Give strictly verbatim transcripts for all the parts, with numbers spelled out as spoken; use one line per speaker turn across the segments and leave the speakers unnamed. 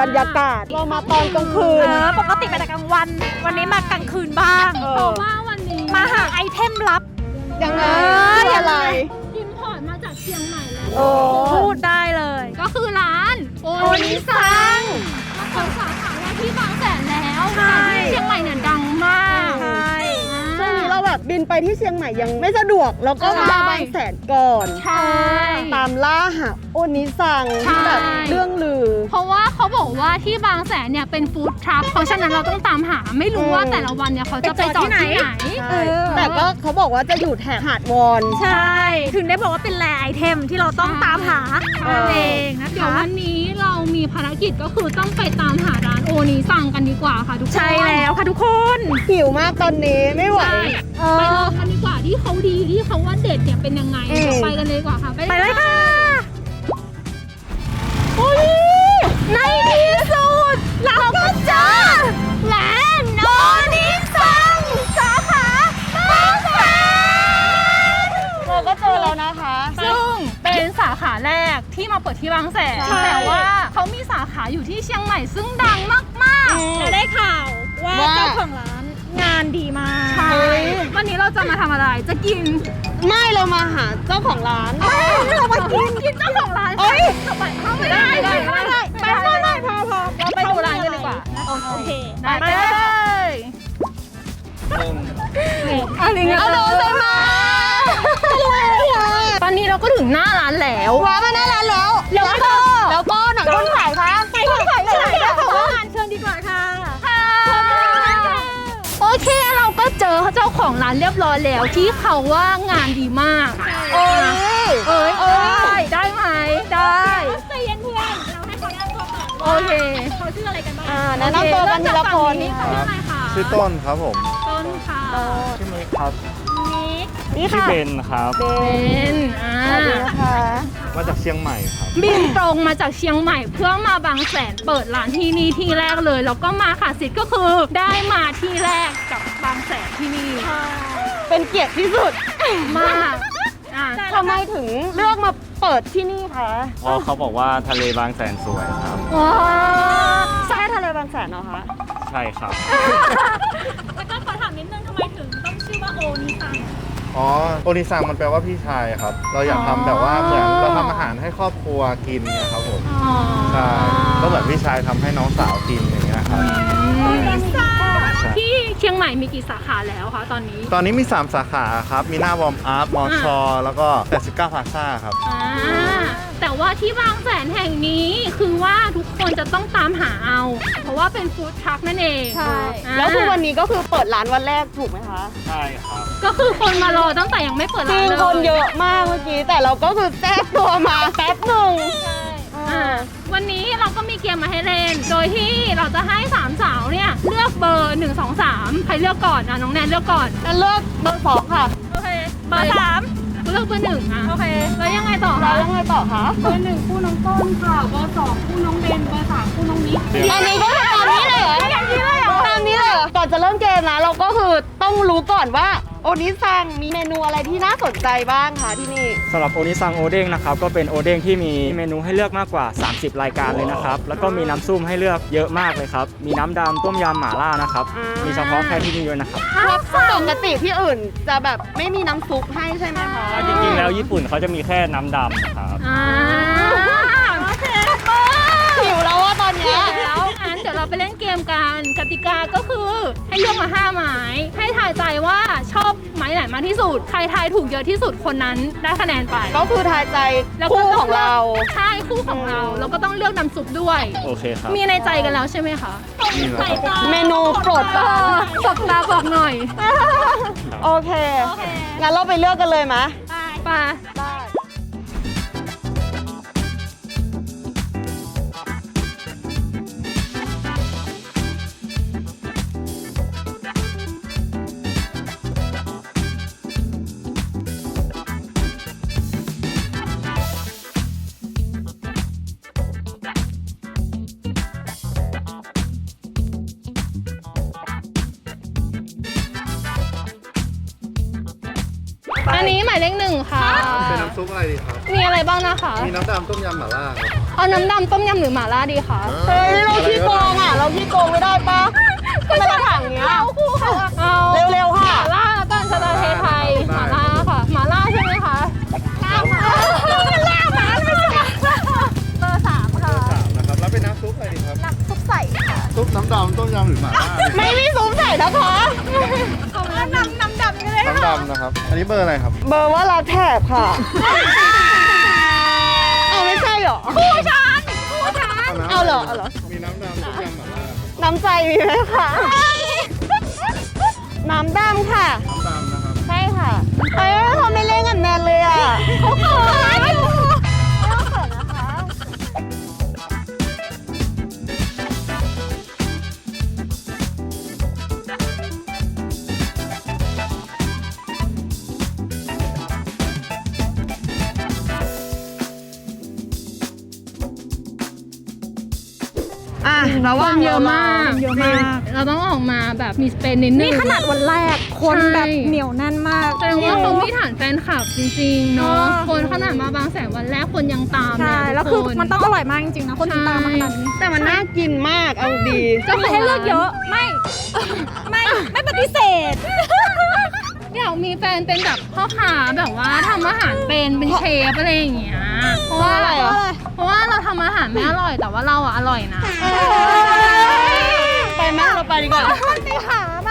รรยากาศเรามาตอนกลางคืน
ปกติมาแต่กลางวันวันนี้มากลางคืนบ้าง
เพราะว่าวันนี้
มาหาไอเทมลับ
ยังไงอะไร
อิมพอร์ตมาจากเชียงใหม่เลย
พูดได้เลย
ก็คือร้านโอนิซังมาเปิดสาขาที่บางแสนแล้วที่เชียงใหม่เนี่ยดังมาก
ช่วงนี้เราแบบบินไปที่เชียงใหม่ยังไม่สะดวกแล้วก็มาบางแสนก่อน
ใช่
ตามล่าหาโอนิซังที่แบบเรื่องลือ
เพราะว่าเขาบอกว่าที่บางแสนเนี่ยเป็นฟู้ดทรัคเพราะฉะนั้นเราต้องตามหาไม่รู้ว่าแต่ละวันเนี่ยเขาจะไปจอดที่ไหน
แต่ก็เขาบอกว่าจะอยู่แถบหาดวอน
ใช่ถึงได้บอกว่าเป็นแลไอเทมที่เราต้องตามหาเองนะคะ
เดี๋ยววันนี้เรามีภารกิจก็คือต้องไปตามหาร้านโอนิซังกันดีกว่าค่ะทุกคน
ใช่แล้วค่ะทุกคน
หิวมากตอนนี้ไม่ไหว
ไปลองกันดีกว่าที่เขาดีที่เขาว่าเด็ดเนี่ยเป็นยังไงไปกันเลยดีกว่าค่ะ
ไปเลยค่ะโอ้ยในที่สุดเราก็เจอร้านโอนิซังสาขาบางแสน
เราก็เจอแล้วนะคะ
ซึ่งเป็นสาขาแรกที่มาเปิดที่บางแสนแต่ว่าเขามีสาขาอยู่ที่เชียงใหม่ซึ่งดังมาก
ๆและได้ข่าวว่าเจ้าของร้านงานดีมาก
ใช่วันนี้เราจะมาทำอะไรจะกิน
ไม่เรามาหาเจ้าของร้าน
เรามากินกินเจ้าของร้าน
เอ้ย
ไม่ได้ไม่ได้
ไม่ได้ไม่ได้ไม่ได้พอพอ
เราไปดูร้านกันดีกว่า
โอเค
ไปเลย
อะไรเงี้ยเอาเลยมา
ตอนนี้เราก็ถึงหน้าร้านแล้ว
ว้ามาหน้าร้านแล้ว
แล้วก็
แล้วก็หนังคนขายคะ
ไปคนขายเลยค่ะขอเชิญดีกว่าค่ะ
โอเคเราก็เจอเจ้าของร้านเรียบร้อยแล้วที่เขาว่างานดีมาก
เอ้
ยเอ้ยเอ้ยได้ไหมได้
ใจเย็นเพื่อนเราให้เขาแนะนำตัวก่อน
โอเค
เขาชื่ออะไรกันบ้าง
อ่าแนะนำตัวกันทีละคน
นี่ค่ะชื่ออะไรคะ
ชื่อต้นครับผม
ต้นค่ะ
ชื่อมิกครับ
นี่
ชื่อเบนครับ
เบนอ่า
นะคะ
มาจากเชียงใหม่ครับ
บินตรงมาจากเชียงใหม่เพื่อมาบางแสนเปิดร้านที่นี่ที่แรกเลยแล้วก็มาค่ะสิทธิ์ก็คือได้มาที่แรกกับบางแสนที่นี่
เป็นเกียรติที่สุด
มาก
ทำไมถึงเลือกมาเปิดที่นี่คะ
เพราะเขาบอกว่าทะเลบางแสนสวยครับ
ว้าใช่ทะเลบางแสนเหรอคะ
ใช่ครับ
แล้วก็ขอถามนิดนึงทำไมถึงต้องชื่อว่าโอนิซัง
อ๋อโอนิซังมันแปลว่าพี่ชายครับเราอยากทำแบบว่าเหมือนเราทำอาหารให้ครอบครัวกินเนี่ยครับผมใช่ก็เหมือนพี่ชายทำให้น้องสาวกินอย่างเงี้ยครับ
ที่เชียงใหม่มีกี่สาขาแล้วคะตอนนี้
ตอนนี้มีสามสาขาครับมีหน้าวอร์มอัพมอชอแล้วก็แปดสิบเก้าพลาซ่าครับ
แต่ว่าที่บางแสนแห่งนี้คือว่าทุกคนจะต้องตามหาเอาเพราะว่าเป็นฟู้ดทรัคนั่นเอง
ใช่แล้วคือวันนี้ก็คือเปิดร้านวันแรกถูกไหมคะ
ใช่ครับ
ก็คือคนมารอตั้งแต่ยังไม่เปิดร้านเลย
คนเยอะมากเมื่อกี้แต่เราก็คือแทรกตัวมาแป๊บหนึ่ง
วันนี้เราก็มีเกมมาให้เล่นโดยที่เราจะให้สามสาวเนี่ยเลือกเบอร์หนึ่ง สอง สามใครเลือกก่อนอ่ะน้องแนนเลือกก่อน
แล้วเลือกเบอร์สองค่ะ
โอเคเบอร์สาม
เลือกเบอร์หนึ่งอ่ะ
โอเค
แล้วยังไงต่อคะ
แล้วยังไงต่อคะ
เบอร์หนึ่งคู่น้องต้นค่ะเบอร์สองคู่น้องเบนเบอร์สามคู่น้องนิก
อันนี้ก็ตามนี้เลยเหรอตามนี้เลยเหรอตามนี้เลยก่อนจะเริ่มเกมนะเราก็คือต้องรู้ก่อนว่าโอนิซังมีเมนูอะไรที่น่าสนใจบ้างคะที่นี่
สำหรับโอนิซังโอเด้งนะครับก็เป็นโอเด้งที่มีเมนูให้เลือกมากกว่าสามสิบรายการเลยนะครับแล้วก็มีน้ำซุปให้เลือกเยอะมากเลยครับมีน้ำดำต้มยำหม่าล่านะครับมีเฉพาะแค่ที่นี่ด้วยนะครับ
ปกติที่อื่นจะแบบไม่มีน้ำซุปให้ใช่ไหมคะ
จริงๆแล้วญี่ปุ่นเขาจะมีแค่น้ำดำครับ
หิวแล้วว่าตอนนี้
แล้วอันเดี๋ยวเราไปเล่นเกมกันกติกาก็คือให้เลือกมาห้าไม้ให้ทายใจว่าชอบไม้ไหนมากที่สุดใครทายถูกเยอะที่สุดคนนั้นได้คะแนนไป
ก็คือทายใจคู่ของเรา
ใช่คู่ของเราแล้วก็ต้องเลือกน้ำซุปด้วย
โอเคครับ
มีในใจกันแล้วใช่ไหมคะ
เมนูโปรด
สบตาบอกหน่อย
โอเคงั้นเราไปเลือกกันเลยไหม
ไปอันนี้หมายเลขหนึ่งค่ะ
เป็นน้ำซุปอะไรดีครับ
มีอะไรบ้างนะคะ
มีน้ำดำต้มยำหม่าล่าครับ
เอาน้ำดำต้มยำหรือหม่าล่าดีคะ
เฮ้ยเราขี้โกงอ่ะ เราขี้โกงไม่ได้ปะทำไมเราถังเนี้ย
เอาคู่ค่ะเอา
เร็วๆค่ะ
หม่าล่าแล้วกันสไตล์ไทยๆหม่าล่าค่ะหม่าล่าใช่ไหมคะล่าหม่าล่าหม่าเลยเบอร์สามค่ะ
สามนะครับ แล้วเป็นน้ำซุปอะไรดีครับ
น้ำซุปใสค่ะ
ซุปน้ำดำต้มยำหรือหม่าล่าดี
ไม่มีซุ้มใส่นะคะ
เอาแล้วน้ำน้ำดำเลย
น้ำดำนะครับ อันนี้เบอร์อะไรครับ
เบอร์ว่าเราแถบค่ะ เอาไม่ใช่เหรอ
คู่ฉันคู่ฉัน
น้ำ
เอาเหรอเอาเหรอ
มีน้ำดำต้มยำหม่าล่า
น้ำใจมีไหมคะ น้ำดำค่ะ
น้ำดำนะครับ
ใช่ค่ะเอ้ยเขาไม่เล่นกับแนนเลยอ่ะเขาเขินอยู่เขาเขินนะคะ อ่ะระ
ค
วัง
นเยอะมาก
เยอะมาก
เราต้องออกมาแบบมีสเปนนิดนึง
นี่ขนาดวันแรกคนแบบเหนียวแน่นมาก
แสดงว่าเขามีฐานแฟนคลับจริงๆเนาะ
เออ
คนขนาดมาบางแสนวันแรกคนยังตาม
ใช่
เย
แล้ว
ทุ
คื
ก
อมันต้องอร่อยมากจริงๆนะคนติดตามมาขนาดนี้
แต่มันน่ากินมาก เอาดี
ก็คือให้เลือกเยอะไม่ ไม่ไม่ปฏิเสธ
อยากมีแฟนเป็นแบบพ่อค้าแบบว่าทำอาหารเป็นเป็นเชฟอะไรอย่างเงี้ยเพราะว่า
อะไรอ่ะ
เพราะว่าเราทำอาหารไม่อร่อยแต่ว่าเราอะอร่อยนะ
ไปไหมเราไปดีกว่า
ไปหามา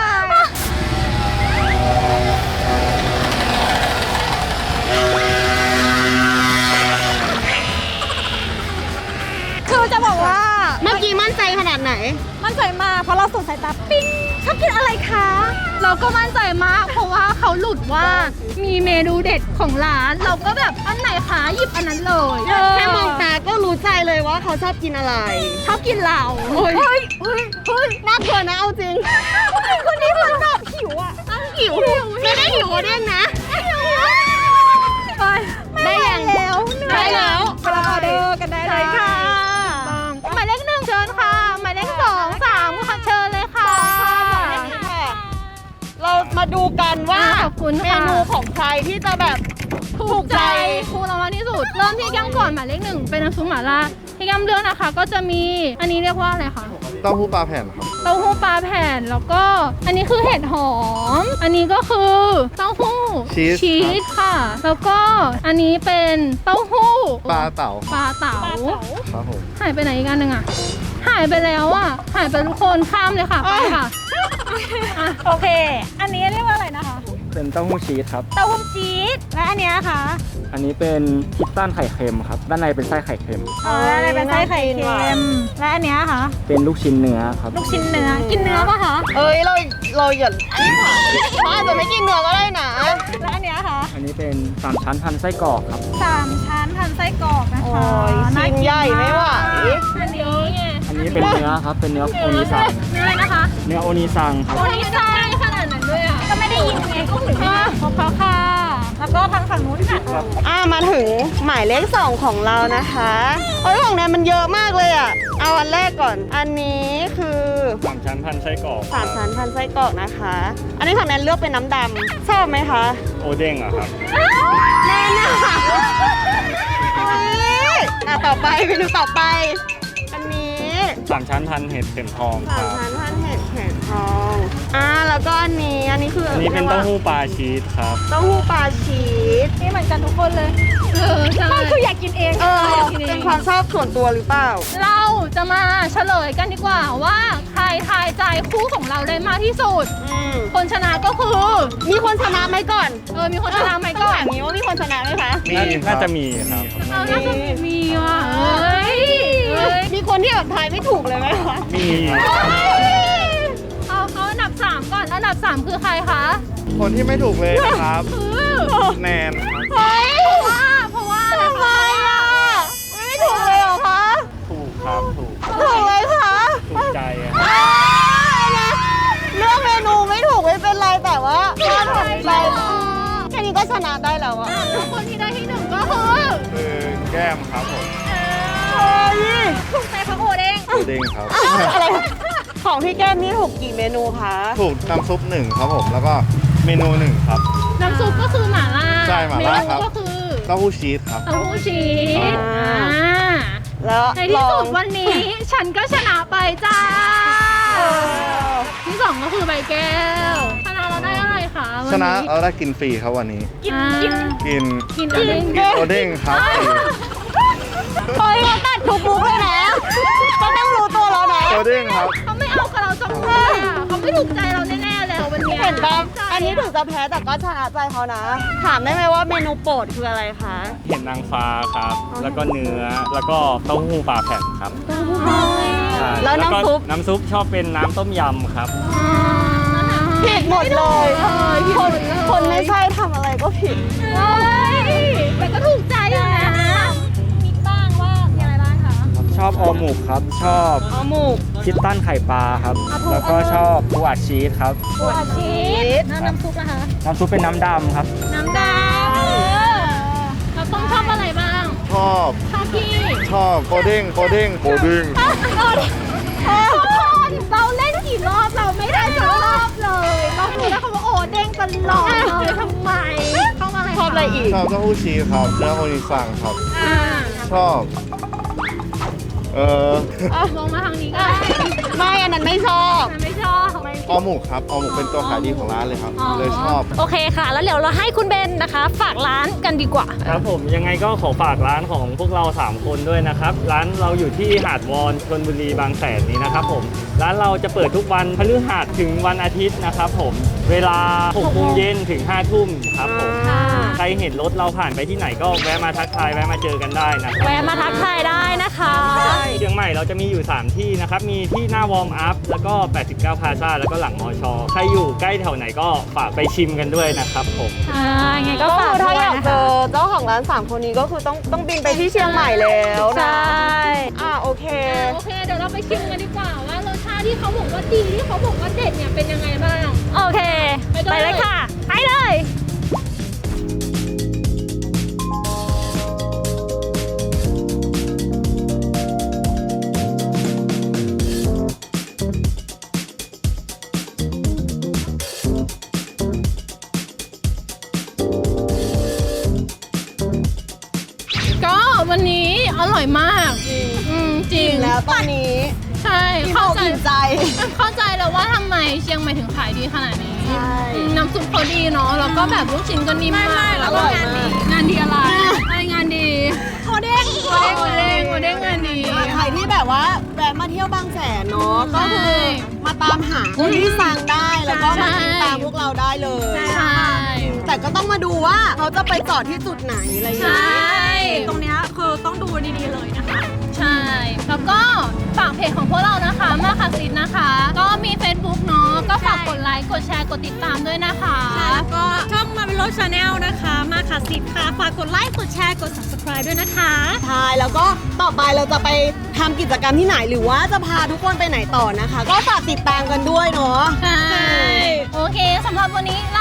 คือจะบอกว่า
เมื่อกี้มั่นใจขนาดไหน
มั่นใจมากเพราะเราสงสายตาปิ้งชอบกินอะไรคะ
เราก็มั่นใจมากเพราะว่าเขาหลุดว่ามีเมนูเด็ดของร้าน เราก็แบบอันไหนคะหยิบอันนั้นเลย
แค่มองตาก็รู้ใจเลยว่าเขาชอบกินอะไร
ชอบกินเรา
เฮ้ย เฮ้ย เฮ้ย เฮ้ย น่ากลัวนะเอาจริง
คนนี้มันแบบหิวอ่ะ
หิว ไม่ได้หิวเด้งนะ
ไป
ได้ยัง
แล้ว
ได้แล้ว
ไปรับออเดอร์กันได้เลยค่ะ
หมายเลขหนึ่งเชิญค่ะหมายเลขสองสามค่ะเชิญเลยค่ะ
เรามาดูกันว่า
อ่าขอบคุณ
เม
ค่ะ
นูของใครที่จะแบบ
ถูกใจครูเรามากที่สุด เริ่มที่แก้มก่อนหมายเลขหนึ่งเป็นน้ำซุปหม่าล่าที่แก้มเลือกนะคะ ก็จะมีอันนี้เรียกว่าอะไรคะ
เต้าหู้ปลาแผ่นครับ
เต้าหู้ปลาแผ่นแล้วก็อันนี้คือเห็ดหอม อันนี้ก็คือเต้าหู้
ชีส
ชีสค่ะ แล้วก็อันนี้เป็นเต้าหู้
ปลาเต่า
ปลาเต๋า
ครับผม
หายไปไหนอีกอันหนึ่งอะหายไปแล้วอะหายไปทุกคนข้ามเลยค่ะไปค่ะอ่ะ
โอเค อันนี้เรียกว่าอะไรนะคะ
เป็นเต้าหู้ชีสครับ
เต้าหู้จี๊ดและอันเนี้ยค่ะ
อันนี้เป็นคิตตันไข่เค็มครับ ด้านในเป็นไส้ไข่เค็ม
อ๋ออะไรเป็นไส้ไข่เค็มและอันเนี้ยค่ะ
เป็นลูกชิ้นเนื้อครับ
ลูกชิ้นเนื้อ กินเนื้อปะคะ
เอ้ย เรา เราอย่ารีบถามเขาอาจจะไม่กินเนื้อก็ได้นะ
และอันเนี้ยค่ะ
อันนี้เป็นสามชั้นพันไส้กรอกครับ
สามชั้นพันไส้กรอกนะคะ
โอ้ย
น่า
ชิ้น
กิน
ใหญ่ไม่ไหว
อันนี้ไง
อันนี้เป็นเนื้อครับ เป็นเนื้อโอนิซัง
เนื้ออะไรนะคะ
เนื้อโอนิซังครับ
วันนี้ใช่ขนาดนั้นด้วยอ่ะ
ก็ไม่ได้ยินไงก็หรือไม่ขอบคุณค่ะ แล้วก็ทางฝั่งนู้นค่ะ
อ่ามาถึงหมายเลขสองของเรานะคะเอ้ยของแนนมันเยอะมากเลยอ่ะ เอาอันแรกก่อน อันนี้คือ
สามชั้นพันไส้กรอก
สามชั้นพันไส้กรอกนะคะ อันนี้ของแนนเลือกเป็นน้ำดำชอบไหมคะ
โอเด้งอะครับ
แน่นอนอ่ะต่อไปเมนูต่อไป อันนี้
สามชั้นพันเห็ดเข็มทองค
สาม
รับ
ชั้นพันเห็ดแข็งทองอ่าแล้วก็อันนี้ อันนี้คือ
อั
อั
นนี้เป็นเต้าหู้ปลาชีสครับ
เต้าหู้ปลาชีส
นี่เหมือนกันทุกคนเลย
เออใช่
คืออยากกินเอง
เออ เป็นความชอบส่วนตัวหรือเปล่า
เราจะมาเฉลยกันดีกว่าว่าใครทายใจคู่ของเราได้มากที่สุด
อืม
คนชนะก็คือ
มีคนชนะไหมก่อน
เออมีคนชนะไหมก่อน
ถามนี้ว่ามีคนชนะไหมคะ
มี
น่าจะมีครับ
เราน่าจะมีว่ะเอ้ยเอ้ย
มีคนที่แบบทายไม่ถูกเลยไหมคะ
มี
เอาเขาอันดับสามก่อนอันดับสามคือใครคะ
คนที่ไม่ถูกเลยนะครับ
คือ
แนนครับ
เฮ้ย
เพราะว่าเพราะว่า
ทำไมอ่ะ ไม่ถูกเลยเหรอคะ
ถูกครับ ถูก
ถูกเลยค่ะ
ถูกใจอะ
อ้าวนะเลือกเมนูไม่ถูกไม่เป็นไรแต่ว่าถ้าถูกใจแค่นี้ก็ชนะได้แล้วอะ
แล้วคนที่ได้ที่หนึ่งก็คือ
คือแก้มครับผม
เฮ้ย
ถูกใจพระโอเด้ง
โอเด้งครับ
อะไรของพี่แก้มนี่ถูกกี่เมนูคะ
ถูกน้ำซุปหนึ่งครับผม แล้วก็เมนูหนึ่งครับ
น
น้ำซุปก็คือหม่าล่า
ใช่หม่าล่าครับ
เมนูก็คือ
เต้าหู้ชีสครับ
เต้าหู้ชีส
อ่า
อ่า
แล้ว
ในที่
ลอ
สุ
ง
ดวันนี้ ฉันก็ชนะไปจ้า
เออ
ที่สองก็คือใบแก้วชนะเราได้อะไรคะวั
ชนะเราได้กินฟรีครับวันนี้
กินกิน
กิน
กินอะไร
กินโอเด้งครับฟรี
เฮ้ยเขาตัดทุกมุกเลยนะก็ต้องรู้ตัวแล้วนะ
โอเด้งครับ
เขาไม่เอากับเราจังเลยอ่ะเขาไม่ถูกใจเราแน่ๆแล้ววันเนี้ย
เห็นปะอันนี้ถึงจะแพ้แต่ก็ชนะใจเขานะ ถามได้ไหมว่าเมนูโปรดคืออะไรคะ
เห็ดนางฟ้าครับ แล้วก็เนื้อ แล้วก็เต้าหู้ปลาแผ่นครับใช่
แล้วน้ำซุป
ก็น้ำซุปชอบเป็นน้ำต้มยำครับ
ผิดหมดเลยคนคนไม่ใช่ทำอะไรก็ผิด
เฮ้ยแต่ก็ถูกใจอยู่นะมีบ้างว่ามีอะไรบ้างคะ
ชอบออหมูครับ ชอบ
เอาหมูก
คิตตันไข่ปลาครับ แล้วก็ชอบปูอัดชีสครับ
ปูอัดชีสแล้วน้ำซุปนะคะ
น้ำซุปเป็นน้ำดำครับ
น้ำดำเราต้องชอบอะไรบ้าง
ชอบ
ชอบพี่
ชอบโอเด้งโอเด้งโอเด้ง
ทุกคนเราเล่นกี่รอบเราไม่ได้สักรอบเลยเราดูแล้วเขาว่าโอ้เด้งตลอดเลยทำไมชอบอะไร
ชอบอะไรอีก
ชอบเต้าหู้ชีสครับเนื้อโอนิซังครับ
อ่า
ชอบ เออ
ลงมาทางนี้ก็ได้
ไม่อันนั้นไม่ชอบ
ฉันไม่ชอบ
ออหมูครับออหมูเป็นตัวขายดีของร้านเลยครับ เลยชอบ
โอเคค่ะ แล้วเดี๋ยวเราให้คุณเบนนะคะ ฝากร้านกันดีกว่า
ครับผมยังไงก็ขอฝากร้านของพวกเราสามคนด้วยนะครับ ร้านเราอยู่ที่หาดวอนชลบุรีบางแสนนี้นะครับผมร้านเราจะเปิดทุกวันพฤหัสถึงวันอาทิตย์นะครับผมเวลาหกโมงเย็นถึงห้าทุ่มครับผมใครเห็นรถเราผ่านไปที่ไหนก็แวะมาทักทายแวะมาเจอกันได้นะครับ
แวะมาทักทายได้นะคะ
เชียงใหม่เราจะมีอยู่สามที่นะครับมีที่หน้าวอร์มอัพแล้วก็แปดสิบเก้าพลาซ่าแล้วก็หลังมอชอใครอยู่ใกล้แถวไหนก็ฝากไปชิมกันด้วยนะครับผม
อ่าไงก็
ก็
ฝา
คื
ก
อถ้า
ด้ว
อย ยาก
นะ
เจ
คะ
อเจ้าของร้านสามคนนี้ก็คือต้องต้องบินไปที่เชียงใหม่แล้ว
ใช
นะ
่
อ่าโอเค
โอเคเดี๋ยวเราไปชิมกันดีกว่าว่ารสชาติที่เขาบอกว่าดีที่เขาบอกว่าเด็ดเนี่ยเป็นยังไงบ้าง
โอเค
ไปเลย
ไปเลยค่ะ ไปเลย
ก็วันนี้อร่อยมากอืมจริง
แล้วตอนนี้
ใช่
อิ่ม
เข้า
อก
ใจ
อิ่มใจ
เข้าใจแล้วว่าทำไมเชียงใหม่ถึงขายดีขนาดนี้
ใช่
อืมน้ำซุปเขาดีเนาะแล้วก็แบบลูกชิ้นก็นิ่มมาก
อร่อยมาก
งานดีอะไรอะไรงานดีโอเด้งโอเด้งโอเด้งโอเด้งงานดี
ใครที่แบบว่าแวะมาเที่ยวบางแสนเนาะก็คือ
ใช่
มาตามหาคนที่สั่งได้แล้วก็มาติดตามพวกเราได้เลย
ใช่
แต่ก็ต้องมาดูว่าเขาจะไปจอดที่จุดไหนอะไรอย่าง
ใช
เงี้ย่
ตรงเนี้ยคือต้องดูดีๆเลยนะคะ
ใช่แล้วก็ฝากเพจของพวกเรานะคะมาค่ะซิดนะคะ ก็มี Facebook เนาะก็ฝากกดไลค์กดแชร์กดติดตามด้วยนะคะ
แล้วก็ช่องมาเป็นรถชาแนลนะคะ มาค่ะสิทธิ์ค่ะ ฝากกดไลค์ กดแชร์ กด subscribe ด้วยนะคะ
ใช่แล้วก็ต่อไปเราจะไปทำกิจกรรมที่ไหนหรือว่าจะพาทุกคนไปไหนต่อนะคะ ก็ฝากติดตามกันด้วยเนาะ
ใช่ โอเคสำหรับวันนี้